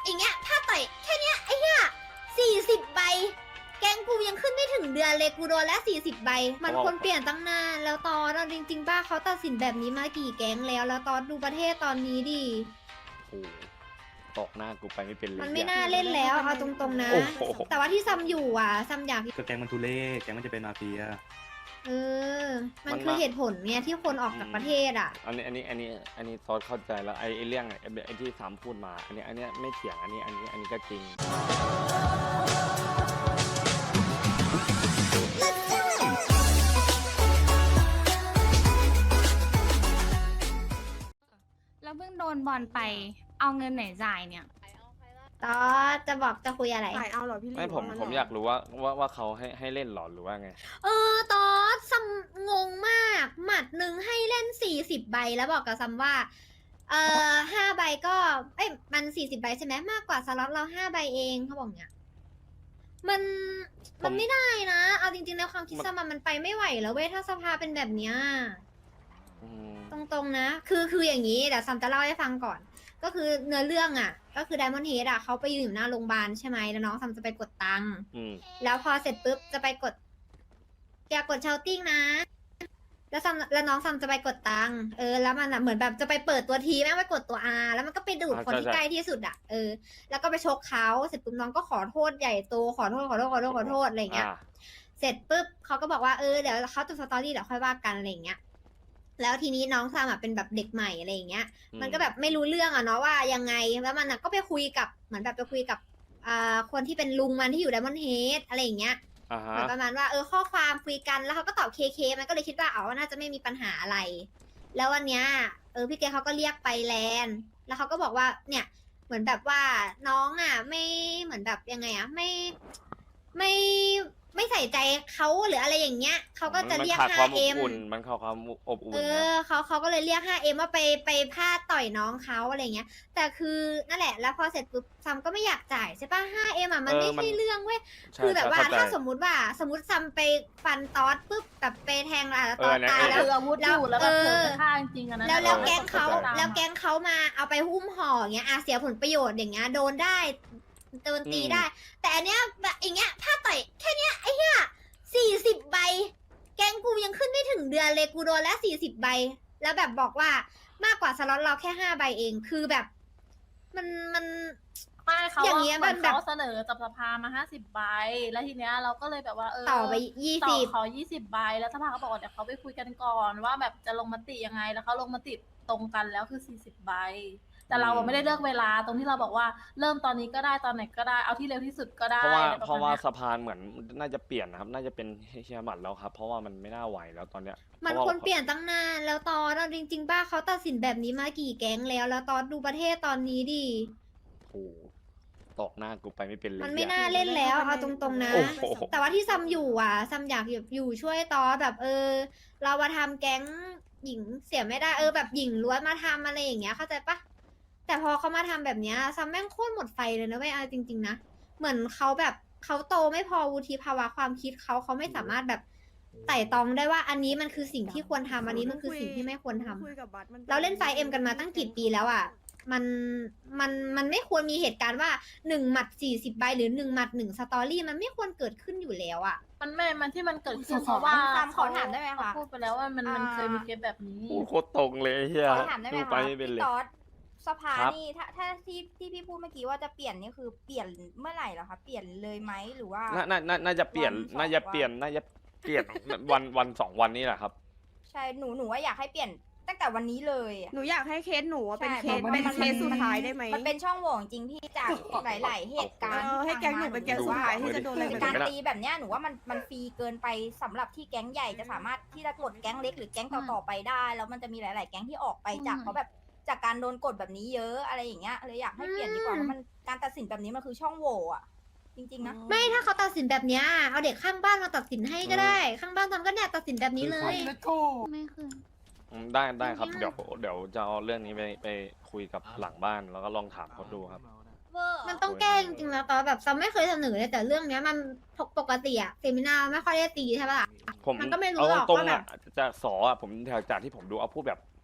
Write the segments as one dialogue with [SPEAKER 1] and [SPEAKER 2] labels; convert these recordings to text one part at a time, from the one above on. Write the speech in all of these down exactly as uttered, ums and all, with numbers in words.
[SPEAKER 1] อย่างเงี้ยถ้าต่อยแค่เนี้ยไอ้เหี้ยสี่สิบใบแกงกูยังขึ้นไม่ถึงเดือนเลยกูโดนแล้วสี่สิบใบมันควรเปลี่ยนตั้งนานแล้วตอนเราจริงๆป้าเขาตัดสินแบบนี้มากี่แก๊งแล้วแล้วตอนดูประเทศตอนนี้ดิ
[SPEAKER 2] โอ้ตกหน้ากูไปไม่เป็นเลย
[SPEAKER 1] มันไม่น่าเล่นแล้วเอาตรงๆนะ
[SPEAKER 2] โอ้โห
[SPEAKER 1] แต่ว่าที่ซัมอยู่อ่ะซัมอยาก
[SPEAKER 3] ก็แก๊งมันทุเล่แก๊งมันจะเป็นมาเฟีย
[SPEAKER 1] เออ มันคือเหตุผลไงที่คนออกจากประเทศอ่ะ
[SPEAKER 2] อันนี้อันนี้อันนี้อันนี้ซอสเข้าใจแล้วไอ้ไอ้เรื่องไอ้ไอ้ที่สามพูดมาอันนี้อันนี้ไม่เถียงอันนี้อันนี้อันนี้ก็จริง
[SPEAKER 4] แล้วเพิ่งโดนบอลไปเอาเงินไหนจ่ายเนี่ย
[SPEAKER 1] ต่อจะบอกจะคุยอะไร
[SPEAKER 5] ถ่ายเอาเหรอพี่ลิ
[SPEAKER 2] ไม่ผมผมอยากรู้ว่าว่าว่าเขาให้ให้เล่นหรอหรือว่าไง
[SPEAKER 1] เออตอสซัมงงมาก หมัดหนึ่งให้เล่นสี่สิบใบแล้วบอกกับซัมว่า เออห้าใบก็ เอ้ยมันสี่สิบใบใช่ไหมมากกว่าสล็อตเราห้าใบเองเขาบอกเนี้ยมัน
[SPEAKER 2] ผม
[SPEAKER 1] มันไม่ได้นะ เอาจริงๆแล้วความคิดซัมอะมันไปไม่ไหวแล้วเว้ยถ้าสภาเป็นแบบเนี้ย
[SPEAKER 2] อืม
[SPEAKER 1] ตรงๆนะ คือคืออย่างนี้เดี๋ยวซัมจะเล่าให้ฟังก่อน ก็คือเนื้อเรื่องอ่ะ ก็คือไดมอนด์เฮดอ่ะเขาไปยืนอยู่หน้าโรงพยาบาลใช่ไหมแล้วน้องซัมจะไปกดตังค์
[SPEAKER 2] อืม
[SPEAKER 1] แล้วพอเสร็จปุ๊บจะไปกดอย่ากดเชาติ้งนะ แล้วซัมแล้วน้องซัมจะไปกดตังค์เออแล้วมันอ่ะเหมือนแบบจะไปเปิดตัวทีแม่งไปกดตัว R แล้วมันก็ไปดูดคนที่ใกล้ที่สุดอ่ะเออแล้วก็ไปชกเขาเสร็จปุ๊บน้องก็ขอโทษใหญ่โตขอโทษขอโทษขอโทษขอโทษอะไรอย่างเงี้ย
[SPEAKER 2] อ่า
[SPEAKER 1] เสร็จปุ๊บเขาก็บอกว่าเออเดี๋ยวเขาจะสตอรี่เดี๋ยวค่อยว่ากันอะไรอย่างเงี้ย แล้วทีนี้น้องซามอะเป็นแบบเด็กใหม่อะไรอย่างเงี้ย
[SPEAKER 2] อืม
[SPEAKER 1] มันก็แบบไม่รู้เรื่องอะเนาะว่ายังไง แล้วมันอะก็ไปคุยกับเหมือนแบบไปคุยกับอ่าคนที่เป็นลุงมันที่อยู่ไดมอนด์เฮดอะไรอย่างเงี้ย
[SPEAKER 2] อ่า
[SPEAKER 1] เห
[SPEAKER 2] ฮะ
[SPEAKER 1] มือนประมาณว่าเออข้อความคุยกันแล้วเขาก็ตอบเคเคมันก็เลยคิดว่าเอาน่าจะไม่มีปัญหาอะไร แล้ววันเนี้ยเออพี่เกเขาก็เรียกไปแลนด์แล้วเขาก็บอกว่าเนี่ยเหมือนแบบว่าน้องอ่ะไม่เหมือนแบบยังไงอ่ะไม่ไม่ไม่ใส่ใจเขาหรืออะไรอย่างเงี้ยเขาก็จะเรียก
[SPEAKER 2] มันขาดความ
[SPEAKER 1] ห้าเอ็
[SPEAKER 2] อบ
[SPEAKER 1] ม
[SPEAKER 2] อุ่นมันขาดความอบอุ่น
[SPEAKER 1] เอ
[SPEAKER 2] นะ
[SPEAKER 1] อเขาเขาก็เลยเรียก ห้าเอ็ม ว่าไปไปพลาดต่อยน้องเขาอะไรเงี้ย แต่คือนั่นแหละ แล้วพอเสร็จปุ๊บซัมก็ไม่อยากจ่ายใช่ปะ ห้าเอ็ม อ่ะมันไม่ใช่เรื่องเว้ย
[SPEAKER 2] ใช่
[SPEAKER 1] คือแบบว่า
[SPEAKER 2] เข้ใจ
[SPEAKER 1] ถ้าสมมุติว่าสมมติซัมไปฟันตอสปุ๊บแบบไปแทงอ่ะแล้วตอส
[SPEAKER 2] เออเนี่ย
[SPEAKER 1] ตาย
[SPEAKER 2] เออ
[SPEAKER 1] แล้
[SPEAKER 4] ถื
[SPEAKER 1] ว
[SPEAKER 4] ออาวุธอยู่แล้วแบบเกิดจะฆ่าจริงๆอะนะ
[SPEAKER 1] แล้วแล้ว
[SPEAKER 2] เออ
[SPEAKER 1] แก๊งเขา
[SPEAKER 2] เข้าใจ
[SPEAKER 1] แล้วแก๊งเขามาเอาไปหุ้มห่ออย่างเงี้ยอาเสียผลประโยชน์อย่างเงี้ยโดนได้โดนตีได้ แต่อันเนี้ยแบบอย่างเงี้ยถ้าต่อยแค่เนี้ยไอ้เหี้ยสี่สิบใบ แก๊งกูยังขึ้นไม่ถึงเดือนเลยกูโดนแล้วสี่สิบใบ แล้วแบบบอกว่ามากกว่าสล็อตเราแค่ห้าใบเองคือแบบ มันมัน
[SPEAKER 4] ไม่เขา
[SPEAKER 1] อย่างเงี้ย
[SPEAKER 4] เหมือน
[SPEAKER 1] มันแบบ
[SPEAKER 4] เขาเสนอจับสภามาห้าสิบใบ แล้วทีเนี้ยเราก็เลยแบบว่าเออ
[SPEAKER 1] ต่อไปยี่
[SPEAKER 4] ต่อ
[SPEAKER 1] สิบ
[SPEAKER 4] ขอยี่สิบใบ แล้วสภาเขาบอกว่าเดี๋ยวเขาไปคุยกันก่อนว่าแบบจะลงมติยังไง แล้วเขาลงมติตรงกันแล้วคือสี่สิบใบ แต่เราอะไม่ได้เลือกเวลาตรงที่เราบอกว่าเริ่มตอนนี้ก็ได้ตอนไหนก็ได้เอาที่เร็วที่สุดก็ได้
[SPEAKER 2] เพราะว่า
[SPEAKER 4] อไ
[SPEAKER 2] เพราะว่า
[SPEAKER 4] ณนี้ย
[SPEAKER 2] สะพานเหมือนน่าจะเปลี่ยนนะครับ น่าจะเป็นเฮียหมัดแล้วครับ เพราะว่ามันไม่น่าไหวแล้วตอนเนี้ย
[SPEAKER 1] มัน
[SPEAKER 2] พราะ
[SPEAKER 1] คว
[SPEAKER 2] ว่าร
[SPEAKER 1] เปลี่ยนตั้งนานแล้วตอนเราจริง ๆ ป้าเขาตัดสินแบบนี้มากี่แก๊งแล้วแล้วตอนดูประเทศตอนนี้ดิ
[SPEAKER 2] โอ้โหตกหน้ากูไปไม่เป็นเลย
[SPEAKER 1] มันไม่
[SPEAKER 2] เหี้ย
[SPEAKER 1] น่าเล่นแล้วเอาตรงๆนะ
[SPEAKER 2] โอ้โห
[SPEAKER 1] แต่ว่าที่ซัมอยู่อ่ะซัมอยากอยู่ช่วยตอแบบเออ เรามาทำแก๊งหญิงเสียไม่ได้เออแบบหญิงล้วนมาทำอะไรอย่างเงี้ยเข้าใจปะแต่พอเขามาทำแบบเนี้ยซัมแม่งโคตรหมดไฟเลยนะเว้ยเอาจริง ๆนะเหมือนเขาแบบเขาโตไม่พอวุฒิภาวะความคิดเขาเขาไม่สามารถแบบไต่ตองได้ว่าอันนี้มันคือสิ่งที่ควรทำอันนี้มันคือสิ่งที่ไม่ควรทำ
[SPEAKER 5] คุยกับบัสมัน
[SPEAKER 1] เราเล่นไฟเอ็มกันมาตั้งกี่ปีแล้วอ่ะ มัน มัน มันไม่ควรมีเหตุการณ์ว่าหนึ่งหมัดสี่สิบใบหรือหนึ่งหมัดหนึ่งสตอรี่มันไม่ควรเกิดขึ้นอยู่แล้วอ่ะ
[SPEAKER 4] มันไม่ มันที่มันเกิดขึ้น
[SPEAKER 6] ขอ
[SPEAKER 4] เพราะว่า
[SPEAKER 6] ถามขอถามได้ไหมคะ
[SPEAKER 4] เขาพูดไปแล้วว่ามันมัน
[SPEAKER 6] อ่า
[SPEAKER 4] เคยมีเคสแบบนี้
[SPEAKER 2] พูดโคตรตรงเลยเฮีย
[SPEAKER 6] ขอถามได้ไหม
[SPEAKER 2] ดู
[SPEAKER 6] คะ
[SPEAKER 2] ไปไม่เป็นเลย
[SPEAKER 6] พี่ต๊อดสภา
[SPEAKER 2] ครับ
[SPEAKER 6] นี่ถ้าถ้าที่ที่พี่พูดเมื่อกี้ว่าจะเปลี่ยนนี่คือเปลี่ยนเมื่อไหร่เหรอคะเปลี่ยนเลยไหมหรือว่า
[SPEAKER 2] น่าน่าน่าน่าจะเปลี่ยน
[SPEAKER 6] วันสอง
[SPEAKER 2] น่าจะเปลี่ยน น่าจะเปลี่ยน วันวันสองวันนี้แหละครับ
[SPEAKER 6] ใช่หนูหนูว่าอยากให้เปลี่ยนตั้งแต่วันนี้เลยอะ
[SPEAKER 5] หนูอยากให้เคสหนูอะเป็น
[SPEAKER 6] ใช่
[SPEAKER 5] เคส
[SPEAKER 6] มัน
[SPEAKER 5] เป็น
[SPEAKER 6] มัน
[SPEAKER 5] เคสสุดท้ายได้ไหม
[SPEAKER 6] มันเป็นช่องโหว่จริงพี่จากหลาย ๆ เหตุการณ์
[SPEAKER 5] เออให้แก๊งหนูเป็นแก๊งสุดท้ายที่จะโดนอะไร
[SPEAKER 6] คือ
[SPEAKER 5] แบบ
[SPEAKER 6] การ
[SPEAKER 5] นี้
[SPEAKER 6] ตีแบบเนี้ยหนูว่ามันมันฟรีเกินไปสำหรับที่แก๊งใหญ่จะสามารถที่จะกดแก๊งเล็กหรือแก๊งต่อๆไปได้ แล้วมันจะมีหลาย ๆ แก๊งที่ออกไปจาก
[SPEAKER 4] อืม
[SPEAKER 6] เขาแบบจากการโดนกดแบบนี้เยอะอะไรอย่างเงี้ยเลยอยากให้เปลี่ยนดีกว่าเพราะมันการตัดสินแบบนี้มันคือช่องโหว่อะจริง ๆ นะ
[SPEAKER 1] ไม่ถ้าเขาตัดสินแบบเนี้ยเอาเด็กข้างบ้านมาตัดสินให้ก็ได้ ข้างบ้านทำก็เนี่ยตัดสินแบบนี้เลย
[SPEAKER 4] ไม่เคย
[SPEAKER 2] อืมได้ได้ครับ
[SPEAKER 1] ไม่
[SPEAKER 2] เดี๋ยวเดี๋ยวจะเอาเรื่องนี้ไปไปคุยกับหลังบ้านแล้วก็ลองถามเขาดูครับ
[SPEAKER 1] มันต้องแก้จริงๆแล้วตอนแบบซัมไม่เคยเสนอเลยแต่เรื่องเนี้ยมันปกติอะเซมินาไม่ค่อยได้ตีใช่ปะล่ะ
[SPEAKER 2] ผม
[SPEAKER 1] มันก็ไม่รู้
[SPEAKER 2] เอา
[SPEAKER 1] หรอก
[SPEAKER 2] ตรง
[SPEAKER 1] ว่า
[SPEAKER 2] ๆ
[SPEAKER 1] แบ
[SPEAKER 2] อ่ะ
[SPEAKER 1] บ
[SPEAKER 2] จากสออ่ะผมจากจากที่ผมดูเอาพูดแบบ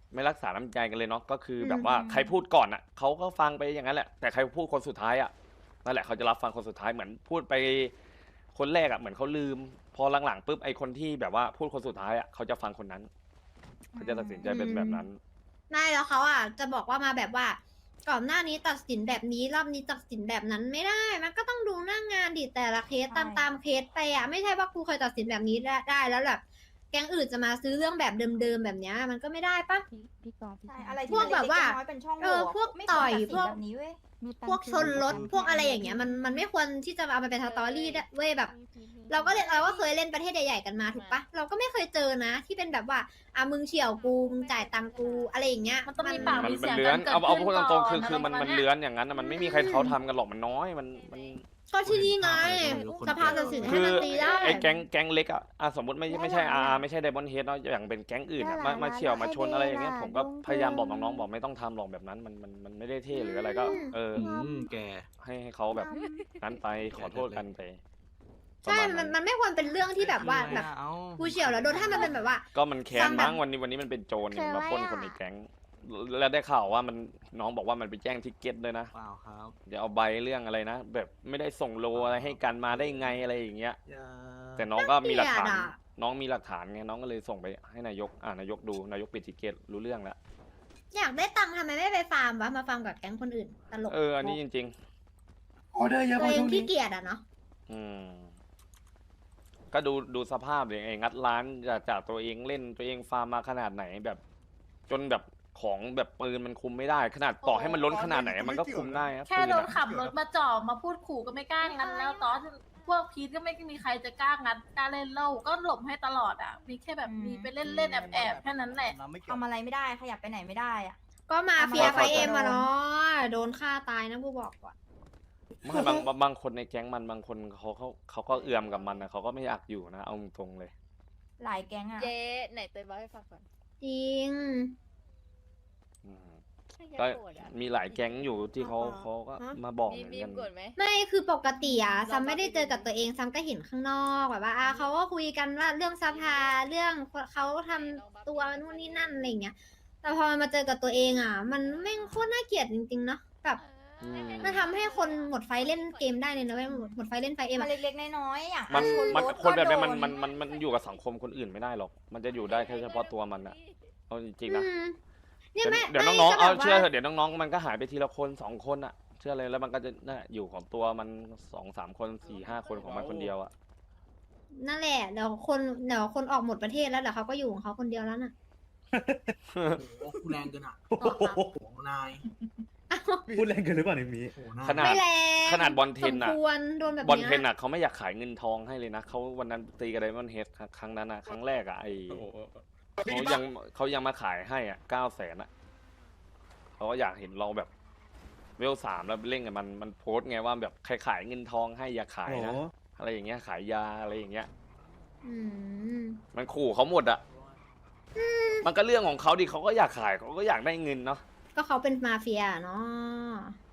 [SPEAKER 2] ไม่รักษาน้ำใจกันเลยเนาะก็คืออ
[SPEAKER 1] ม
[SPEAKER 2] แบบว่าใครพูดก่อนอ่ะเขาก็ฟังไปอย่างนั้นแหละแต่ใครพูดคนสุดท้ายอ่ะนั่นแหละเขาจะรับฟังคนสุดท้ายเหมือนพูดไปคนแรกอ่ะเหมือนเขาลืม พอหลังๆปุ๊บไอคนที่แบบว่าพูดคนสุดท้ายอ่ะเขาจะฟังคนนั้นเขาจะตัดสินใจเป็นแบบนั้น
[SPEAKER 1] ไม่แล้วเขาอ่ะจะบอกว่ามาแบบว่า ก่อนหน้านี้ตัดสินแบบนี้รอบนี้ตัดสินแบบนั้นไม่ได้ มันก็ต้องดูหน้างงานดิแต่ละเคสตามตามเคสไปอ่ะไม่ใช่ว่ากูเคยตัดสินแบบนี้ได้ได้แล้วแบบแก๊งอื่นจะมาซื้อเรื่องแบบเดิมๆแบบเนี้ยมันก็ไม่ได้ปะ
[SPEAKER 6] พี่กอล์ฟใช่อะไร
[SPEAKER 1] พวกแบบว่า
[SPEAKER 6] น้อยเป็นช่องโห
[SPEAKER 1] เออ
[SPEAKER 6] ว่ะ
[SPEAKER 1] พวก
[SPEAKER 6] ไม่
[SPEAKER 1] ต่
[SPEAKER 6] คว
[SPEAKER 1] อ
[SPEAKER 6] ร
[SPEAKER 1] ย
[SPEAKER 6] ตัดสิน
[SPEAKER 1] พวก
[SPEAKER 6] แบบนี้เว้ย
[SPEAKER 1] พวกชนรถพวกอะไรอย่างเงี้ยมันมันไม่ควรที่จะเอาไปเป็นสตอรี่ได้เว้ยแบบ เราก็เล่นเราก็เคยเล่นประเทศใหญ่ๆกันมาถูกปะเราก็ไม่เคยเจอนะ ที่เป็นแบบว่าอ่ะมึงเฉี่ยวกูมึงจ่ายตังกูอะไรอย่างเงี้ย
[SPEAKER 4] มันต้องมีปาก
[SPEAKER 2] มัน
[SPEAKER 4] มี
[SPEAKER 2] มัน
[SPEAKER 4] เสียง
[SPEAKER 2] เลื้
[SPEAKER 4] กั
[SPEAKER 2] อน
[SPEAKER 4] นเกิด
[SPEAKER 2] เอาเอา
[SPEAKER 4] ขึ้น
[SPEAKER 2] พูดต
[SPEAKER 4] ก่
[SPEAKER 2] ร
[SPEAKER 4] อง
[SPEAKER 2] ๆคือ
[SPEAKER 4] นะ
[SPEAKER 2] คือมัน
[SPEAKER 4] ไร
[SPEAKER 2] มัน
[SPEAKER 4] ประาณ
[SPEAKER 2] เลื้
[SPEAKER 4] ย
[SPEAKER 2] อนอย่างนั้นน่ะมันไม่มีใครเขาทำกันหรอกมันน้อยมันมัน
[SPEAKER 1] ก็ที่นี่ไงสภาตัดสินให้
[SPEAKER 2] คือ
[SPEAKER 1] มันตีได้
[SPEAKER 2] ไอ้แก๊งแก๊งเล็กอ่ะอ่ะสมมติไม่ไม่ใช่อาไม่ใช่ไดมอนเฮดเนาะอย่างเป็นแก๊งอื่นอะมามาเฉี่ยวมาชนอะไรอย่างเงี้ยผมก็พยายามบอกน้องๆบอกไม่ต้องทำหรอกแบบนั้นมันมันมันไม่ได้เท่หรืออะไรก็ เออ
[SPEAKER 3] อืมแก
[SPEAKER 2] ให้ให้เขาแบบนั้นไปขอโทษกันไป
[SPEAKER 1] ใช่ มันมันไม่ควรเป็นเรื่องที่แบบว่าแบบกูเฉี่ยวแล้วโดนถ้ามันเป็นแบบว่า
[SPEAKER 2] ก็มันแค้น
[SPEAKER 1] ฟังแบบ
[SPEAKER 2] มั้งวันนี้วันนี้มันเป็นโจรเนี่ยมาปล้นคนในแก๊งแล้วได้ข่าวว่ามันน้องบอกว่ามันไปแจ้งทิกเก็ตด้วยนะ
[SPEAKER 3] เปล่าครับ
[SPEAKER 2] เดี๋ยวเอาใบเรื่องอะไรนะ แบบไม่ได้ส่งโลอะไรให้กันมาได้ไงอะไรอย่างเงี้ย
[SPEAKER 3] อย่า
[SPEAKER 2] แต่น้องก็มีหลักฐาน
[SPEAKER 1] เกลียดอะ
[SPEAKER 2] น้องมีหลักฐานไงน้องก็เลยส่งไปให้นายกอ่านายกดูนายกปิดทิกเก็ตรู้เรื่องแล้ว
[SPEAKER 1] อยากได้ตังค์ทำไมไม่ไปฟาร์มวะมาฟาร์มกับแก๊งคนอื่นตลก
[SPEAKER 2] เอออันนี้จริง
[SPEAKER 7] ออเดอร์เยอะ
[SPEAKER 1] ตัว
[SPEAKER 7] มาก
[SPEAKER 1] เอง
[SPEAKER 7] ช่วง
[SPEAKER 1] ขี้
[SPEAKER 7] นี้
[SPEAKER 1] เกียจอะเนาะ
[SPEAKER 2] ๆ อืมก็ดูดูสภาพเลยไอ้งัดร้านจากจากตัวเองเล่นตัวเองฟาร์มมาขนาดไหนแบบ จนแบบของแบบปืนมันคุมไม่ได้ ขนาดต่อให้มันล้นขนาดไหนมันก็คุมได้ครับ
[SPEAKER 4] แค่
[SPEAKER 2] ปืน
[SPEAKER 4] โดน
[SPEAKER 2] อะ
[SPEAKER 4] ขับรถมาจ่อมาพูดขู่ก็ไม่กล้างัดแล้วตอนพวกพีทก็ไม่มีใครจะกล้างัดกล้าเล่นเล่าก็หลบให้ตลอดอ่ะ มีแค่แบบมีไปเล่นเล่นแอบแอบๆแค่นั้นแหละ
[SPEAKER 6] ทำอะไรไม่ได้ขยับไปไหนไม่ได้อะ
[SPEAKER 1] ก็มาเฟีย
[SPEAKER 6] เอามา
[SPEAKER 1] ไฟเอ็ม
[SPEAKER 6] เอามา
[SPEAKER 1] อะเนาะโดนฆ่าตายนะกูบอกก่อน
[SPEAKER 2] ไม่บางบางบางคนในแก๊งมันบางคนเขาเขาเขาก็เอื่อมกับมันนะเขาก็ไม่อยากอยู่นะเอาตรงๆเลย
[SPEAKER 6] หลายแก๊งอะ
[SPEAKER 8] เจ๊ไหนเตยบอกให้ฟังก่อน
[SPEAKER 1] จริง
[SPEAKER 2] อืม
[SPEAKER 8] ให้แก
[SPEAKER 2] ก็
[SPEAKER 8] โกรธอะ
[SPEAKER 2] มีหลายแก๊งอยู่ที่เขา
[SPEAKER 5] อ๋อ
[SPEAKER 2] เขาก็
[SPEAKER 5] ฮะ
[SPEAKER 2] มาบอก
[SPEAKER 8] มี
[SPEAKER 2] เหมือน
[SPEAKER 8] มี
[SPEAKER 2] กัน
[SPEAKER 8] มโกรธไหม
[SPEAKER 1] ไม่คือปกติอะ
[SPEAKER 8] เรา
[SPEAKER 1] ซัมไม่ได้
[SPEAKER 8] ก็
[SPEAKER 1] เจอกับตัวเองซัมก็เห็นข้างนอกแบบว่าอ่ะเขาก็คุยกันว่าเรื่องสภาเรื่องเขาทำตัวนู่นนี่นั่นอะไรอย่างเงี้ย แต่พอมันมาเจอกับตัวเองอะมันแม่งโคตรน่าเกลียดจริงๆเนาะแบบ
[SPEAKER 2] อืม
[SPEAKER 1] มันทำให้คนหมดไฟเล่นเกมได้เลยนะเว้ยหมดหมดไฟเล่นไฟเอ็ม
[SPEAKER 6] มัน
[SPEAKER 1] อะ
[SPEAKER 6] เล็กๆน้อยๆอย่าง
[SPEAKER 2] มัน
[SPEAKER 6] ช
[SPEAKER 2] มัน
[SPEAKER 6] รถ
[SPEAKER 2] คนแบบนี้
[SPEAKER 6] ก็
[SPEAKER 2] มัน
[SPEAKER 6] โด
[SPEAKER 2] มันมันมันอยู่กับสังคมคนอื่นไม่ได้หรอก มันจะอยู่ได้แค่เฉพาะตัวมันอะเอาจริงๆนะ
[SPEAKER 1] อืมเนี่
[SPEAKER 2] เดี๋
[SPEAKER 1] ย
[SPEAKER 2] ยว
[SPEAKER 1] แม่
[SPEAKER 2] เดี๋ยว
[SPEAKER 1] ไม่
[SPEAKER 2] น้องๆ
[SPEAKER 1] ก็
[SPEAKER 2] เอา
[SPEAKER 1] แบบ
[SPEAKER 2] เชื่อ
[SPEAKER 1] ว่า
[SPEAKER 2] เถอะเดี๋ยวน้องๆมันก็หายไปทีละคนสองคนอะเชื่อเลยแล้วมันก็จะน่ะอยู่ของตัวมันสองสามคนสี่ห้าคนของมันคนเดียวอะ
[SPEAKER 1] นั่นแหละเดี๋ยวคนเดี๋ยวคนออกหมดประเทศแล้วเดี๋ยวเขาก็อยู่ของเขาคนเดียวแล้วน่ะ
[SPEAKER 7] โอ้โหแรงเกินอ่ะ
[SPEAKER 3] โอ้โห
[SPEAKER 7] โอ้โหนาย
[SPEAKER 3] พูดแรงเกินหรือเปล่าเนี่ยมี
[SPEAKER 7] โอ้โหนาย
[SPEAKER 2] ขนาด
[SPEAKER 1] ไม่แรง
[SPEAKER 2] ขนาดบอลเทน
[SPEAKER 1] สม
[SPEAKER 2] อะ
[SPEAKER 1] ควรโดนแบบ
[SPEAKER 2] บอล
[SPEAKER 1] เนี้ย
[SPEAKER 2] เทนอะเขาไม่อยากขายเงินทองให้เลยนะเขาวันนั้นตีกับไดมอนด์เฮดครั้งนั้นอะครั้งแรกอะไอเขายังเขายังมาขายให้อะเก้าแสนอะเขาก็อยากเห็นเราแบบเวลสามแล้วเล่นกับมันมันโพสต์ไงว่าแบบใครขายเงินทองให้อย่าขาย
[SPEAKER 3] โอ้โห
[SPEAKER 2] นะอะไรอย่างเงี้ยขายยาอะไรอย่างเงี้ย
[SPEAKER 1] อืม
[SPEAKER 2] มันขู่เขาหมดอะมันก็เรื่องของเขาดิเขาก็อยากขายเขาก็อยากได้เงินเนาะ
[SPEAKER 1] ก็เขาเป็นมาเฟียเนาะ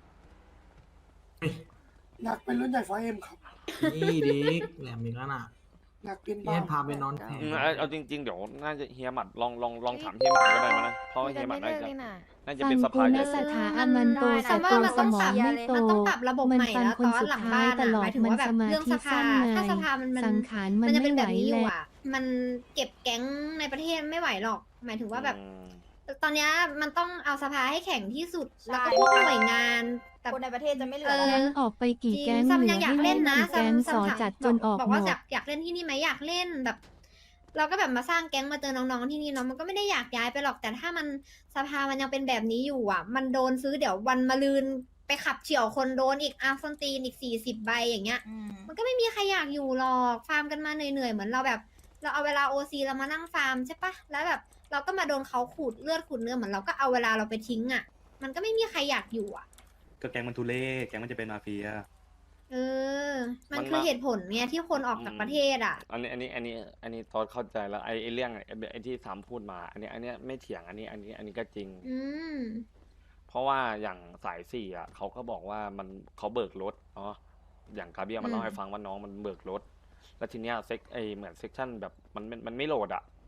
[SPEAKER 7] อยากเป็นรุ่นใหญ่ไฟเอ็มครับ
[SPEAKER 9] นี่ดิกแหลมอีกแล้วน่ะ
[SPEAKER 7] อยากเป็น
[SPEAKER 9] เฮียพาไปนอนแทน
[SPEAKER 2] อืมเอาเอาจริง ๆ เดี๋ยวน่าจะเฮียหมัดลองลองลองถามเฮียหมัดก็ได้มั้ยนะเพราะว่าเฮียหมัดน่าจะน่าจะเป็นสภาใหญ่
[SPEAKER 10] สถาอามันโต
[SPEAKER 1] แต่
[SPEAKER 10] ส
[SPEAKER 1] ว่า
[SPEAKER 10] โต
[SPEAKER 1] มัน
[SPEAKER 10] ส
[SPEAKER 1] ต้อง
[SPEAKER 10] มอ
[SPEAKER 1] ปรั
[SPEAKER 10] ง
[SPEAKER 1] บ
[SPEAKER 10] ไม่โต
[SPEAKER 1] มันต้องปรับระบบ
[SPEAKER 10] มัน
[SPEAKER 1] ใหม่
[SPEAKER 10] ฟัง
[SPEAKER 1] แล้ว
[SPEAKER 10] คน
[SPEAKER 1] ตอน
[SPEAKER 10] สุด
[SPEAKER 1] หลัง
[SPEAKER 10] ท้า
[SPEAKER 1] บ้าย น
[SPEAKER 10] ต
[SPEAKER 1] อะ
[SPEAKER 10] ลอ
[SPEAKER 1] ห
[SPEAKER 10] ด
[SPEAKER 1] มายถึง
[SPEAKER 10] มัน
[SPEAKER 1] ว่าแบบ
[SPEAKER 10] สมา
[SPEAKER 1] เรื่อง
[SPEAKER 10] ธิ
[SPEAKER 1] สภา
[SPEAKER 10] สั้นไง
[SPEAKER 1] ถ้าสภามันมัน
[SPEAKER 10] สังขารมั
[SPEAKER 1] มัน นจะ
[SPEAKER 10] ไม่
[SPEAKER 1] เป็น
[SPEAKER 10] ไห
[SPEAKER 1] แบ
[SPEAKER 10] ว
[SPEAKER 1] บนี้อ
[SPEAKER 10] แห
[SPEAKER 1] ยู่
[SPEAKER 10] ละ
[SPEAKER 1] อ่ะ มันเก็บแก๊งในประเทศไม่ไหวหรอก หมายถึงว่าแบบ
[SPEAKER 2] อืม
[SPEAKER 1] ตอนเนี้ยมันต้องเอาสภาให้แข็งที่สุด
[SPEAKER 6] ใช่
[SPEAKER 1] แล้วก็ทุกหน่วยงานแต่
[SPEAKER 6] คนในประเทศจะไม่เหลื
[SPEAKER 1] เอ
[SPEAKER 6] อ
[SPEAKER 1] อ
[SPEAKER 6] แล้ว
[SPEAKER 10] แก๊ง
[SPEAKER 6] นะ
[SPEAKER 10] ออกไปกี่
[SPEAKER 1] จริง
[SPEAKER 10] แก๊ง
[SPEAKER 1] ซัม
[SPEAKER 10] เหลื
[SPEAKER 1] ยัง
[SPEAKER 10] อ
[SPEAKER 1] อยาก
[SPEAKER 10] ให้
[SPEAKER 1] เล่น
[SPEAKER 10] เล่น
[SPEAKER 1] นะ
[SPEAKER 10] กี่
[SPEAKER 1] ซั
[SPEAKER 10] แก๊
[SPEAKER 1] ม
[SPEAKER 10] ง
[SPEAKER 1] ซั
[SPEAKER 10] ส
[SPEAKER 1] ม
[SPEAKER 10] อ
[SPEAKER 1] ถาม
[SPEAKER 10] จัดจนออก
[SPEAKER 1] บอก
[SPEAKER 10] หม
[SPEAKER 1] ว่า
[SPEAKER 10] ด
[SPEAKER 1] อยากอยากเล่นที่นี่ไหมอยากเล่นแบบ เราก็แบบมาสร้างแก๊งมาเจอน้องๆที่นี่เนาะมันก็ไม่ได้อยากย้ายไปหรอกแต่ถ้ามันสภามันยังเป็นแบบนี้อยู่อ่ะ มันโดนซื้อเดี๋ยววันมะรืนไปขับเฉี่ยวคนโดนอีกอาร์ซอนตีนอีกสี่สิบใบอย่างเงี้ย
[SPEAKER 6] อืม
[SPEAKER 1] มันก็ไม่มีใครอยากอยู่หรอกฟาร์มกันมาเหนื่อยๆเหมือนเราแบบ เราเอาเวลาโอซีเรามานั่งฟาร์มใช่ปะแล้วแบบเราก็มาโดนเขาขูดเลือดขูดเนื้อเหมือนเราก็เอาเวลาเราไปทิ้งอ่ะ มันก็ไม่มีใครอยากอยู่อ่ะ
[SPEAKER 3] ก็แก๊งมันทุเล่แก๊งมันจะเป็นมาเฟีย
[SPEAKER 1] เออ มัน
[SPEAKER 2] มัน
[SPEAKER 1] คือ
[SPEAKER 2] มา
[SPEAKER 1] เหตุผลไงที่คนออกจากประเทศอ่ะ
[SPEAKER 2] อันนี้อันนี้อันนี้อันนี้ตอนเข้าใจแล้วไอ้ไอ้เรื่องไอ้ไอ้ที่สามพูดมา อันนี้อันนี้ไม่เถียงอันนี้อันนี้อันนี้ก็จริง
[SPEAKER 1] อืม
[SPEAKER 2] เพราะว่าอย่างสายสี่อ่ะเขาก็บอกว่ามันเขาเบิกรถเนาะอย่างกาเบียมันเล่าให้ฟังว่าน้องมันเบิกรถ แล้วทีเนี้ยเซ็กไอเหมือนเซ็กชันแบบมันมันมันไม่โหลดอ่ะ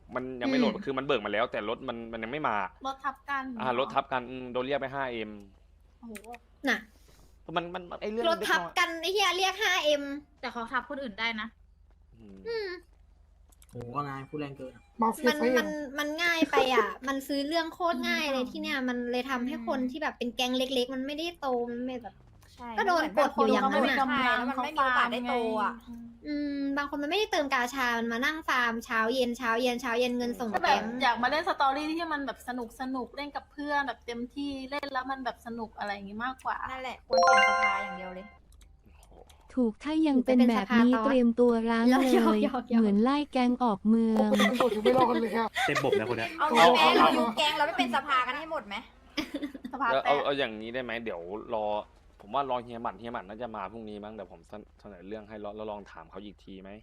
[SPEAKER 2] มันยังไม่โหลด
[SPEAKER 1] อืม
[SPEAKER 2] คือมันเบิกมาแล้ว แต่รถมันมันยังไม่มาร
[SPEAKER 4] ถทับกัน
[SPEAKER 2] อ่ารถทับกันอืมโดนเรียกไปห้าเอ็ม
[SPEAKER 4] โอ้โห
[SPEAKER 1] น่ะ
[SPEAKER 2] มันมันมันไอเรื่อง
[SPEAKER 1] รถทับ
[SPEAKER 2] เล็กน้อย
[SPEAKER 1] กันไอ้เหี้ยเรียก ห้าเอ็ม
[SPEAKER 4] แต่เขาทับคนอื่นได้นะ
[SPEAKER 2] อืม
[SPEAKER 1] อืม
[SPEAKER 7] โหนายพูดแรงเกินอะมาเฟีย
[SPEAKER 1] มัน
[SPEAKER 7] ไฟเอ็
[SPEAKER 1] มัน
[SPEAKER 7] ม
[SPEAKER 1] มันง่ายไปอ่ะ มันซื้อเรื่องโคตรง่ายเลยที่เนี่ย มันเลยทำให้คนที่แบบเป็นแก๊งเล็ก ๆ มันไม่ได้โต มันไม่แบบ
[SPEAKER 6] ใช่
[SPEAKER 1] ก็โดนกดอยู่อย่างนั้น
[SPEAKER 6] ใช่
[SPEAKER 1] น่ะ
[SPEAKER 6] แล้วมันไม่มีโอกาสได้โตอ่ะ
[SPEAKER 1] อืม บางคนมันไม่ได้เติมกาชา มันมานั่งฟาร์มเช้าเย็นเช้าเย็นเช้าเย็นเงินส่ง
[SPEAKER 4] ก็แบ
[SPEAKER 1] แก๊
[SPEAKER 4] บ
[SPEAKER 1] ง
[SPEAKER 4] อยากมาเล่นสตอรี่ที่มันแบบสนุกสนุกเล่นกับเพื่อนแบบเต็มที่เล่นแล้วมันแบบสนุกอะไรอย่างงี้มากกว่า
[SPEAKER 6] นั่นแหละควรเปลี่ยนสภาอย่างเดียวเลย
[SPEAKER 8] ถูกถ้ายังเป็นแบบนี้
[SPEAKER 1] เป็นสภาต่อ
[SPEAKER 8] เตรียมตัวร้าง
[SPEAKER 1] หยอก
[SPEAKER 8] เล
[SPEAKER 1] หยอก
[SPEAKER 8] ย
[SPEAKER 1] หยอกหยอก
[SPEAKER 8] เหมือนไล่แกงออกเมือง
[SPEAKER 7] โอ้โหยังไม่รอดกันเลยอะ
[SPEAKER 3] เต็มบบนะคนเนี้ย
[SPEAKER 6] เอางี้แม้เราอยู่แก๊งเราไม่เป็นสภากันให้หมดไหม
[SPEAKER 4] สภา
[SPEAKER 2] แล้ว
[SPEAKER 4] แต
[SPEAKER 2] เอา
[SPEAKER 4] ก
[SPEAKER 2] เอาอย่างนี้ได้ไหมเดี๋ยวรอ ผมว่ารอเฮียหมัดเฮียหมัดน่าจะมาพรุ่งนี้มั้งเดี๋ยวผมเสนอเรื่องให้แล้วแล้วลองถามเขาอีกทีไหม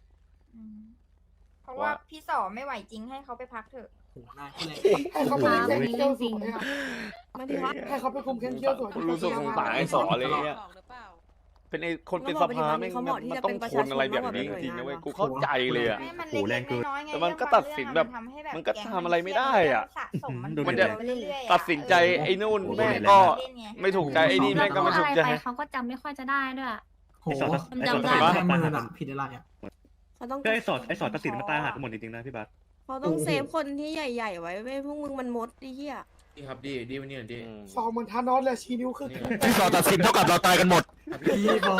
[SPEAKER 6] เพราะว่าพี่สอไม่ไหวจริงให้เขาไปพักเถอะ
[SPEAKER 7] โหนายพูดแรงเกิน
[SPEAKER 5] ให้เขาไปคุมแก๊งเที่ยวสวยอะ
[SPEAKER 6] หมายถึงว่า
[SPEAKER 5] ให้เขาไปคุมแก๊งเที่ยวสวย
[SPEAKER 2] รู้สึกสงสารไอ้สอเลยเนี่ยเป็นไอ้คนเป็นสภาไม่ง
[SPEAKER 5] เขา
[SPEAKER 2] มัน
[SPEAKER 5] บอกที่
[SPEAKER 2] มัน
[SPEAKER 5] จะ
[SPEAKER 2] ต้อ
[SPEAKER 5] เป็
[SPEAKER 2] ง
[SPEAKER 5] นประ
[SPEAKER 2] ท
[SPEAKER 5] ชาน ชน
[SPEAKER 2] อะไรแบบ
[SPEAKER 5] มากกว่า
[SPEAKER 2] นี้
[SPEAKER 5] เป็นหน่วย
[SPEAKER 2] จริงๆนะเว้ย
[SPEAKER 5] งาน
[SPEAKER 2] กูเข้าใจเลยอะ
[SPEAKER 6] ไม่มัน
[SPEAKER 3] โอ้โหแร
[SPEAKER 6] เล็
[SPEAKER 3] ง
[SPEAKER 6] ก
[SPEAKER 3] เกิน
[SPEAKER 6] ๆน้อยๆไง
[SPEAKER 2] แต่มันก็
[SPEAKER 6] เรื่
[SPEAKER 2] ตัดสินแบบ
[SPEAKER 6] บางเรื่องอะ
[SPEAKER 2] มันก็
[SPEAKER 6] แก๊ง
[SPEAKER 2] ทำอะไรไม่ได้อะ
[SPEAKER 6] สะสมมัน
[SPEAKER 3] ดูดิ
[SPEAKER 6] มัน
[SPEAKER 2] จะ
[SPEAKER 6] ไปเรื่อยๆอะ
[SPEAKER 2] ตัดสินใจไอ้นู่นแม่งก็
[SPEAKER 6] เล่นไง
[SPEAKER 2] ไม่ถูกใจไอ้นี่แม่งก็ไม่ถูกใจ
[SPEAKER 4] เขาก็จำไม่ค่อยจะได้ด้วย
[SPEAKER 7] โห
[SPEAKER 3] ไอ้สอดไอ้สอด
[SPEAKER 4] จำได้
[SPEAKER 3] ตัด
[SPEAKER 7] แค่
[SPEAKER 3] สิน
[SPEAKER 7] มื
[SPEAKER 3] มา
[SPEAKER 7] อน่ะผิดอะไรอ่ะ
[SPEAKER 5] เขาต้อง
[SPEAKER 3] ก็ไอ้สอดไอ้สอดตัดสินมาตายหาทั้งหมดจริงๆนะพี่บัส
[SPEAKER 5] เขาต้องเซฟคนที่ใหญ่ๆไว้เว้ยพวกมึงมันมดดิเหี้ย
[SPEAKER 10] ดีครับดีดีวันนี้ดี
[SPEAKER 2] อืม
[SPEAKER 7] ซองเหมือนทานอสเลยชี้นิ้วขึ้น
[SPEAKER 10] ต่อตัดสินเท่ากับเราตายกันหมด
[SPEAKER 7] พี่บอย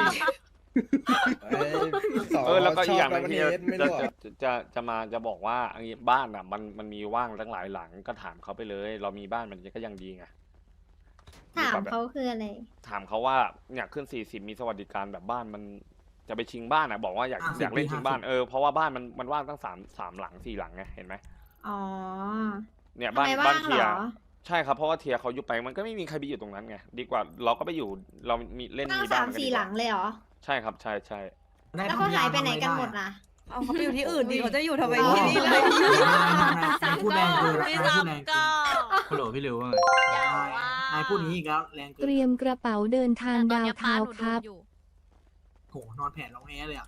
[SPEAKER 2] เออแล้วก็อีกอย่างหนึงที่จะจะจะจะจะมาจะบอกว่าอันนี้บ้านอ่ะ มันมันมีว่างตั้งหลายหลังก็ถามเขาไปเลย เรามีบ้านมันก็ยังดีไง
[SPEAKER 1] ถามเขาคืออะไร
[SPEAKER 2] ถามเขาว่าอยากขึ้นสี่สิบมีสวัสดิการแบบบ้านมันจะไปชิงบ้านอ่ะ บอกว่าอยากอยากเล่นชิงบ้านเออเพราะว่าบ้านมันมันว่างตั้งสามสามหลังสี่หลังไงเห็นไหม
[SPEAKER 1] อ๋อ
[SPEAKER 2] เนี่ย
[SPEAKER 1] ทำ
[SPEAKER 2] บ้าน
[SPEAKER 1] ไม
[SPEAKER 2] บ้า
[SPEAKER 1] ว่าน ง
[SPEAKER 2] เที
[SPEAKER 1] เห
[SPEAKER 2] ย
[SPEAKER 1] รอ
[SPEAKER 2] ใช่ครับเพราะว่าเทียเขายุบไปมันก็ไม่มีใครไปอยู่ตรงนั้นไงดีกว่าเราก็ไปอยู่เรามีเล่น
[SPEAKER 1] ตั้ง
[SPEAKER 2] มีบ้า
[SPEAKER 1] สาน ม
[SPEAKER 2] กัน
[SPEAKER 1] สี่
[SPEAKER 2] ดีก
[SPEAKER 1] ห
[SPEAKER 2] ว่า
[SPEAKER 1] ลังเลยเหรอ
[SPEAKER 2] ใช่ครับใช่ใช่
[SPEAKER 1] แล้วเขาหายไปไหนกันหมดล่ะ
[SPEAKER 5] เอาเขาไปอยู่ที่อื่นดิเขาจะอยู่ทำไม
[SPEAKER 1] อ๋อ
[SPEAKER 5] ที่นี่เลย
[SPEAKER 7] นายพูดแรงเกินอะนายพูดแรงเกิน
[SPEAKER 10] ฮัลโหลพี่ริวว่าไง
[SPEAKER 7] นายพูดอย่างนี้อีกแล้วแรงเกิ
[SPEAKER 8] เต
[SPEAKER 7] น
[SPEAKER 8] รียมกระเป๋าเดินทางดาวเทาวน์ครับ
[SPEAKER 7] โหนอนแผ่นร้องแอเลยอ่ะ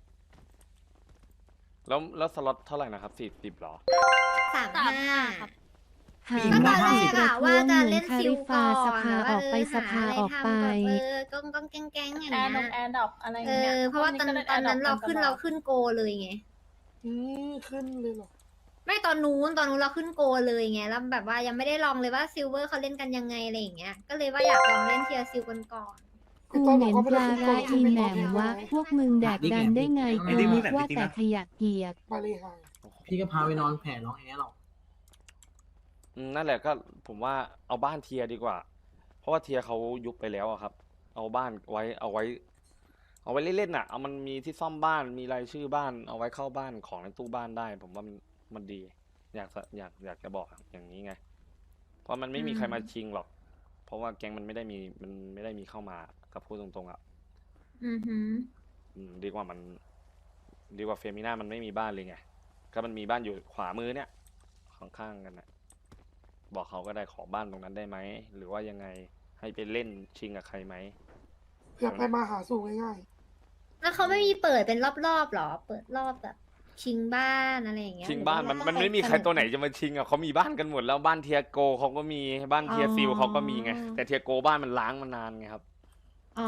[SPEAKER 2] แล้วแล้วสล็อตเท่าไหร่นะครับสี่สิบหรอ
[SPEAKER 1] สามห้า
[SPEAKER 8] หา
[SPEAKER 1] ก็ตอนแรก
[SPEAKER 8] ป
[SPEAKER 1] อะ
[SPEAKER 8] ระท้
[SPEAKER 1] ว่าว
[SPEAKER 8] ง
[SPEAKER 1] จะ
[SPEAKER 8] เหมือ
[SPEAKER 1] เล่
[SPEAKER 8] น
[SPEAKER 1] น
[SPEAKER 8] คา
[SPEAKER 1] ซิล
[SPEAKER 8] ริ
[SPEAKER 1] ก่
[SPEAKER 8] ฟา
[SPEAKER 1] อน
[SPEAKER 8] สภา
[SPEAKER 1] แล้ว
[SPEAKER 8] ออกไป
[SPEAKER 1] เออ
[SPEAKER 8] สภา
[SPEAKER 1] หาะร
[SPEAKER 8] ออกไป
[SPEAKER 1] ทำแบบเออกองกองแก๊งแก๊งอย่าง
[SPEAKER 4] แอ
[SPEAKER 1] เงี้
[SPEAKER 4] ร์ดงแอย ร์ดอกอะไร
[SPEAKER 1] เอ
[SPEAKER 4] เงี้ย
[SPEAKER 1] อ เพราะว่าตอนตอนนั้นเราขึ้นเราขึ้นโกเลยไง
[SPEAKER 7] อืมขึ้นเลยเหรอ
[SPEAKER 1] ไม่ตอนนู้นตอนนู้นเราขึ้นโกเลยไงแล้วแบบว่ายังไม่ได้ลองเลยว่าซิลเวอร์เขาเล่นกันยังไงอะไรอย่างเงี้ย ก็เลยว่าอยากลองเล่นเทียร์ซิลกันก่อน
[SPEAKER 8] กูเหม็นปลาร้าอีแหนมวะพวกมึงแดกดันได้ไงกูว่าแต่ขยะเกียก
[SPEAKER 7] มาเลยหาย
[SPEAKER 9] พี่ก็พาไปนอนแผ่ร้องแอร์หรอก
[SPEAKER 2] อืมนั่นแหละก็ผมว่าเอาบ้านเทียดีกว่า เพราะว่าเทียเขายุบไปแล้วอะครับ เอาบ้านไว้เอาไว้ เอาไว้เล่นๆน่ะเอามันมีที่ซ่อมบ้านมีรายชื่อบ้าน เอาไว้เข้าบ้านของในตู้บ้านได้ ผมว่ามันมันดี อยากจะอยากอยากจะบอกอย่างนี้ไง เพราะมันไม่มีใครมาชิงหรอก เพราะว่าแก๊งมันไม่ได้มีมันไม่ได้มีเข้ามากับพูดตรงๆอ่ะ
[SPEAKER 1] อือหือ
[SPEAKER 2] อืมดีกว่ามัน ดีกว่าเฟมิน่ามันไม่มีบ้านเลยไงก็มันมีบ้านอยู่ขวามือเนี่ยข้างๆกันนะบอกเขาก็ได้ขอบ้านตรงนั้นได้ไหมหรือว่ายังไงให้ไปเล่นชิงกับใครไหม
[SPEAKER 7] เพื่อไปมาหาสู่ง่าย
[SPEAKER 1] แล้วเขาไม่มีเปิดเป็นรอบๆหรอ เปิดรอบแบบชิงบ้านอะไรอย่างเงี้ย
[SPEAKER 2] ชิงบ้าน
[SPEAKER 1] หรือ
[SPEAKER 2] มัน
[SPEAKER 1] ว่า
[SPEAKER 2] มันไม่มีใครตัวไหนจะมาชิงอ่ะเขามีบ้านกันหมดแล้วบ้านเทียโกเขาก็มีบ้านเทียซิลเขาก็มีไงแต่เทียโกบ้านมันล้างมานานไงครับ
[SPEAKER 1] อ๋อ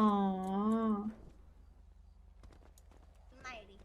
[SPEAKER 1] ไม่ดิ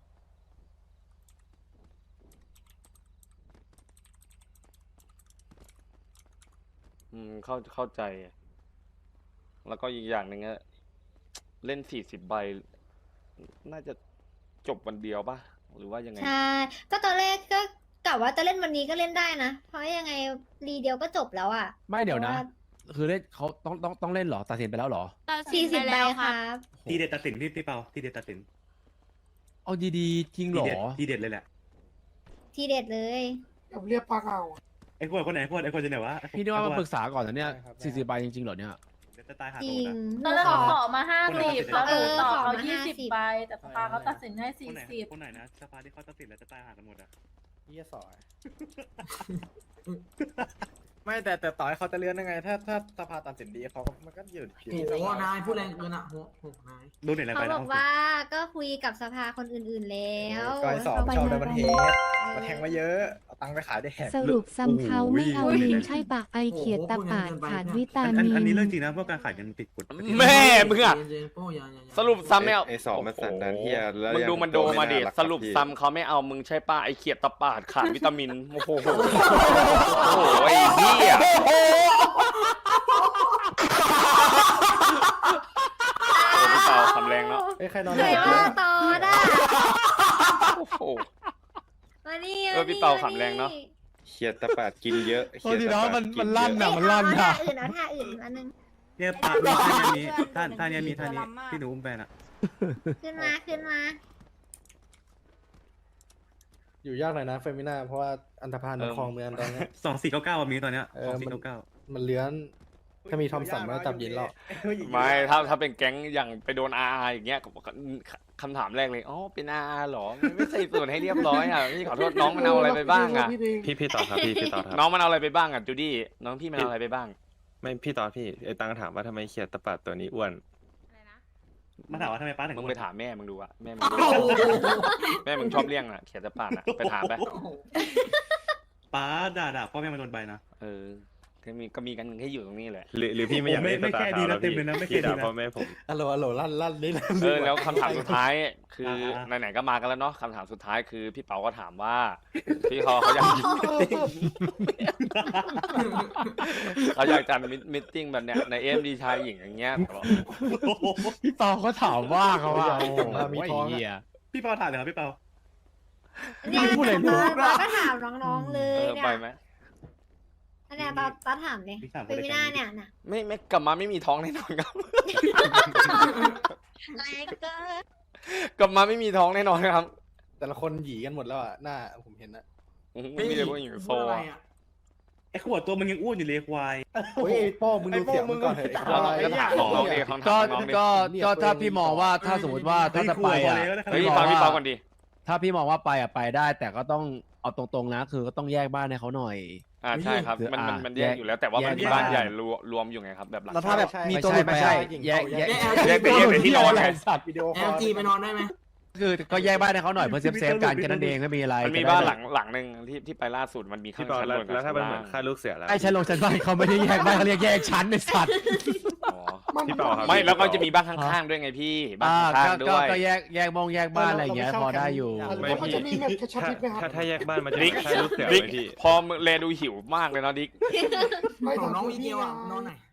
[SPEAKER 2] อืมเข้าเข้าใจ แล้วก็อีกอย่างหนึ่งอะเล่นสี่สิบใบ น่าจะจบวันเดียวปะหรือว่ายังไง
[SPEAKER 1] ใช่ ก็ตอนแรกก็กะว่าจะเล่นวันนี้ก็เล่นได้นะ เพราะยังไงรีเดียวก็จบแล้วอ่ะ
[SPEAKER 10] ไม่เดี๋ยวนะ
[SPEAKER 1] พราา
[SPEAKER 10] คือเล่นเขาต้องต้องต้องเล่นเหรอตัดสินไปแล้วเหรอ
[SPEAKER 1] สี่สิบใบครับ
[SPEAKER 3] ทีเด็ดตัดสินพี่พี่เปาทีเด็ดตัดสิน
[SPEAKER 10] เอาดีๆจริง
[SPEAKER 3] ที
[SPEAKER 10] เหรอ
[SPEAKER 3] เด็ดทีเด็ดเลยแหละ
[SPEAKER 1] ทีเด็ดเลย
[SPEAKER 7] ๆแบบเรียกปลาเก่าอะ
[SPEAKER 3] ไอ้พวกคนไหนพวกไอ้คนจะไหนวะ
[SPEAKER 10] พี่นึกว่ามาปรึกษาก่อนนะเนี่ยสี่สิบใบจริงๆเหรอเนี่ย
[SPEAKER 3] เดี๋ยวจะตายหา
[SPEAKER 1] จ
[SPEAKER 3] ตั
[SPEAKER 1] ริ
[SPEAKER 3] ว
[SPEAKER 1] ง
[SPEAKER 3] นะ
[SPEAKER 4] ตอนแรกเขาขอมาห้า
[SPEAKER 3] คนไหน
[SPEAKER 4] สิบ
[SPEAKER 3] ตัดสิน
[SPEAKER 4] แล้วหนูต่อ
[SPEAKER 1] เออขอ
[SPEAKER 4] เขา
[SPEAKER 1] มา
[SPEAKER 4] ยี่สิบ
[SPEAKER 1] ห้าสิบ
[SPEAKER 4] ใบแต่สภาเขาตัดสินให้
[SPEAKER 3] ค
[SPEAKER 4] สี่
[SPEAKER 3] นไหน
[SPEAKER 4] สิบ
[SPEAKER 3] คนไหนนะสภาที่เขาตัดสินแล้วจะตายหากันหมดอ่ะ
[SPEAKER 10] เยี่ยสอย
[SPEAKER 11] ไม่แต่แต่ต่อให้เขาจะเลื่อนยังไง ถ้าถ้าสภาตัดสินดีเขาก็มันก็อยู่ที่
[SPEAKER 9] โอ้โหนายพูดแรงเกินอ่ะโอ้โหนาย
[SPEAKER 3] ดูหน่อยอะไร
[SPEAKER 1] เขา
[SPEAKER 3] ไป
[SPEAKER 1] บ
[SPEAKER 3] แล้
[SPEAKER 1] อ
[SPEAKER 3] ว
[SPEAKER 1] กว่าก็คุยกับสภาคนอื่นๆแล้ว
[SPEAKER 11] ก็ไอ้สอบชอบในประเทศมาแทงมาเยอะ เอาตังค์ไปขายได้แหก
[SPEAKER 8] สรุปซ้ำเขาไม่เอาลิงใช่ปากไอเขียดตะปาดขาดวิตา
[SPEAKER 3] อันอัน
[SPEAKER 8] มิ
[SPEAKER 3] อันนี้
[SPEAKER 8] น
[SPEAKER 3] เรื่องจริงนะพวกการขายกันติดกฎประเทศ
[SPEAKER 2] แม่มึงอะ
[SPEAKER 9] เย็นๆโป้อย่าอย่าอย่า
[SPEAKER 2] สรุปซ้ำไม่เอา
[SPEAKER 12] ไอ้สองมันสันดานเหี้ยแล้ว
[SPEAKER 2] มึง
[SPEAKER 12] ยัง
[SPEAKER 2] ดูมันโดมาดิ
[SPEAKER 12] ตัวไม่น่ารัก
[SPEAKER 2] สรุป
[SPEAKER 12] ครับพี่
[SPEAKER 2] ซ้ำเขาไม่เอามึงใช่ป้าไอเขียดตะปาดขาดวิตามินโอ้โหโอ้โหไอ้เหี้ยโอ้พี่เปาคำแรงเนาะ
[SPEAKER 11] เอ้ยใครนอน
[SPEAKER 1] ใครว่าต่อได้
[SPEAKER 2] โอ้โห
[SPEAKER 1] มานี่
[SPEAKER 2] เออพี่เปาขำแรงเนอะ
[SPEAKER 12] เขียดตะปาดกินเยอะ
[SPEAKER 10] โทษทีน้องมันมันลั่น
[SPEAKER 1] เอ้
[SPEAKER 10] อะ
[SPEAKER 1] ย
[SPEAKER 10] มันลั่น
[SPEAKER 1] เอา
[SPEAKER 10] อะ
[SPEAKER 1] ท่าอื่นเอาท่าอื่นอันนึง
[SPEAKER 3] เนี่ยปะมีท่านี้ท่าท่านี้มีท่านี้ที่หนูอุ้มไปน่ะ
[SPEAKER 1] ขึ้นมาขึ้นมา
[SPEAKER 11] อยู่ยากหน่อยนะเฟมิน่าเพราะว่าอันธพาลมันคลองเมืองตอนนี้
[SPEAKER 3] สองสี่เก้าเก้ามีตอนเนี้ย
[SPEAKER 11] เอ
[SPEAKER 3] ส
[SPEAKER 11] อ
[SPEAKER 3] องสี่
[SPEAKER 11] มัน
[SPEAKER 3] เก้าเก้า
[SPEAKER 11] มันเลื้อน ถ้ามีทอมสันมาจับยินหรอก
[SPEAKER 2] ไม่ถ้าถ้าเป็นแก๊งอย่างไปโดนอาอย่างเงี้ยคำถามแรกเลยอ๋อเป็นอาหรอไม่ใส่ส่วนให้เรียบร้อยอ่ะพี่ขอโทษน้องมันเอาอะไรไปบ้างอ่ะ
[SPEAKER 12] พี่พี่ต่อครับพี่พี่ต่อครับ
[SPEAKER 2] น้องมันเอาอะไรไปบ้างอ่ะจูดี้น้องพี่มันเอาอะไรไปบ้าง
[SPEAKER 12] ไม่พี่ต่อพี่ไอ้ตังถามว่าทำไมเขียดตะปาดตัวนี้อ้วน
[SPEAKER 3] มาถามว่าทำไมป้าถึง
[SPEAKER 2] มึง
[SPEAKER 3] อ้วน
[SPEAKER 2] ไปถามแม่มึงดูอ่ะแม่มึงดูแม่มึงชอบเลี้ยงอ่ะเขียนจะปาดอ่ะไปถามไป
[SPEAKER 3] ป้าด่าด่าพ่อแม่มาโดนใบนะ
[SPEAKER 2] เออก็มีก็มีกันให้อยู่ตรงนี้แหละ
[SPEAKER 12] หรือหรือพี่ไม่อยาก
[SPEAKER 3] ไม่
[SPEAKER 12] เล่น
[SPEAKER 3] ไม่
[SPEAKER 12] สตา
[SPEAKER 3] แค่
[SPEAKER 12] ร์
[SPEAKER 3] ดี
[SPEAKER 12] ทาวน์
[SPEAKER 3] นะ
[SPEAKER 12] แล้ว
[SPEAKER 3] เต็ม
[SPEAKER 12] พี่
[SPEAKER 3] เลยนะไม่แค่
[SPEAKER 12] พี่
[SPEAKER 3] ดี
[SPEAKER 12] ด่า
[SPEAKER 3] นะ
[SPEAKER 12] พ่อแม่ผม
[SPEAKER 11] อัลโหลอัลโหลลั่นลั่นนี่ลั่น
[SPEAKER 2] เออแล้วคำถามสุดท้ายคือ
[SPEAKER 3] อ่า
[SPEAKER 2] ไหนๆก็มากันแล้วเนาะคำถามสุดท้ายคือพี่เปาก็ถามว่าพี่เขาเขาอยากเขาอยากจัดมิทติ้งแบบเนี้ยในเอ็มดีชายหญิงอย่างเงี้ยแบบว่า
[SPEAKER 10] พี่เปาเขาถามว่าเขาว่าโอ้โห
[SPEAKER 11] มีท้องอะ
[SPEAKER 10] ไอ้เหี้ย
[SPEAKER 3] พี่เปาถามเลยครับพี่เปา
[SPEAKER 1] เนี่ย
[SPEAKER 10] ไม่พูดอะไรเลย
[SPEAKER 1] ตอนก็ถามน้องๆเล
[SPEAKER 2] เอย อ
[SPEAKER 1] เนี่
[SPEAKER 2] ไป
[SPEAKER 1] ย
[SPEAKER 2] ไหม
[SPEAKER 1] อันเนี้ยตอนตอนถามเลย
[SPEAKER 3] พี่ถาม
[SPEAKER 1] เป็น
[SPEAKER 3] คน
[SPEAKER 1] ไม่
[SPEAKER 3] ละ
[SPEAKER 1] น่า
[SPEAKER 3] แก๊ง
[SPEAKER 1] เนี่ยน่ะ
[SPEAKER 2] ไม่ไม่กลับมาไม่มีท้องแน่นอนครับ
[SPEAKER 6] แรงเกิน
[SPEAKER 2] กลับมาไม่มีท้องแน่นอนครับ
[SPEAKER 11] แต่ละคนหยีกันหมดแล้วอ่ะหน้าผมเห็นนะ
[SPEAKER 2] ไม่มีเลยพวกหญิงโซ
[SPEAKER 9] พูดอะไร
[SPEAKER 2] อะ
[SPEAKER 9] อ่ะ
[SPEAKER 3] ไอ้ขวดตัวมึงยังอ้วนอยู่เลยควาย
[SPEAKER 11] โอ้ยไอ้โป้มึงดูเสียงมึงก่อนเถอะไอ้ค
[SPEAKER 2] แล้ว
[SPEAKER 11] วาย
[SPEAKER 2] ก็ถามน้องๆดิเขา
[SPEAKER 10] ก็
[SPEAKER 2] ถามน้องๆดิ
[SPEAKER 10] ก็ก็ถ้าพี่มองว่าถ้าสมมติว่าถ้าจะไปอ่ะ
[SPEAKER 2] เฮ้ย
[SPEAKER 10] พี่ม
[SPEAKER 2] ฟั
[SPEAKER 10] อง ง
[SPEAKER 2] พี่เปา
[SPEAKER 10] ว่า
[SPEAKER 2] ก่อนดิ
[SPEAKER 10] ถ้าพี่มองว่าไปอ่ะไปได้ แต่ก็ต้องเอาตรงๆนะคือก็ต้องแยกบ้านให้เขาหน่อย
[SPEAKER 2] อ่าใช่ครับ มันมัน
[SPEAKER 10] อ่า
[SPEAKER 2] มันแยกอยู่แล้ว แต่ว่ามัน
[SPEAKER 10] แยก
[SPEAKER 2] มีบ้าน
[SPEAKER 10] แยก
[SPEAKER 2] ใหญ่รวมรวมอยู่ไงครับแบบหลัง
[SPEAKER 11] แล้วถ้าแบบ
[SPEAKER 2] ใช่
[SPEAKER 11] มี
[SPEAKER 10] ไม่
[SPEAKER 11] ตัว
[SPEAKER 10] ใช่
[SPEAKER 11] หลุด
[SPEAKER 10] ไม่
[SPEAKER 11] ไป
[SPEAKER 10] ใช่
[SPEAKER 11] อะ
[SPEAKER 10] แยกแยก
[SPEAKER 2] แยกแต่แยกแต่ที่นอนไง
[SPEAKER 10] สัตว์
[SPEAKER 11] วิดีโอค
[SPEAKER 7] แอ
[SPEAKER 11] อ
[SPEAKER 7] ล
[SPEAKER 11] ล
[SPEAKER 7] จีไปนอนได้ไหม
[SPEAKER 10] คือก็แยกบ้านให้เขาหน่อยเพื่อเซฟเซฟการแค่นั้นเองไม่มีอะไร
[SPEAKER 2] มันมีบ้านหลังหลังหนึ่งที่ที่ไปล่าสุดมันมีข้า
[SPEAKER 12] พี่
[SPEAKER 2] ง
[SPEAKER 12] เปา
[SPEAKER 2] ชั้น
[SPEAKER 12] แล้ว
[SPEAKER 2] บนกับ
[SPEAKER 12] แล้วถ้า
[SPEAKER 2] ชั้
[SPEAKER 12] เป็น
[SPEAKER 2] น
[SPEAKER 12] เหมื
[SPEAKER 2] ล่า
[SPEAKER 12] อน
[SPEAKER 2] ง
[SPEAKER 12] ค่าลูกเสือแล้ว
[SPEAKER 10] ไอ้ชั้นลงชั้นบ้านเขาไม่ได้แยกบ้านเขาเรียกแยกชั้นในสัตว์
[SPEAKER 2] อ๋อ
[SPEAKER 12] พี่เปาครับ
[SPEAKER 2] ไม่แล้วก็จะมีบ้านข้างๆด้วยไงพี่บ้าน
[SPEAKER 10] อ่า
[SPEAKER 2] ข้าง
[SPEAKER 10] ก็
[SPEAKER 2] ๆด้
[SPEAKER 10] ก็
[SPEAKER 2] วย
[SPEAKER 10] ก็แยกแยกมองแยกบ้านอะไรอย่างเงี้ยพอได้อยู่
[SPEAKER 12] ไม่
[SPEAKER 7] แล้วมัน
[SPEAKER 12] พี่
[SPEAKER 7] จะมีแบบกระชับ
[SPEAKER 12] ถ้า
[SPEAKER 7] มิตรไหมครับ
[SPEAKER 12] ถ้าถ้าแยกบ้านมันจะ
[SPEAKER 2] ดิ
[SPEAKER 12] มี
[SPEAKER 2] ก
[SPEAKER 12] ค่าลูกเสือไห
[SPEAKER 2] ดิก
[SPEAKER 12] มพี่
[SPEAKER 2] พอแลดูหิวมากเลยเนาะดิก
[SPEAKER 7] ไม่
[SPEAKER 9] ของ
[SPEAKER 7] ถาม
[SPEAKER 9] น้อง
[SPEAKER 7] คุณ
[SPEAKER 9] วิ
[SPEAKER 7] พี่
[SPEAKER 9] เดียวอ่ะ
[SPEAKER 7] ไง
[SPEAKER 9] นอนหน่อย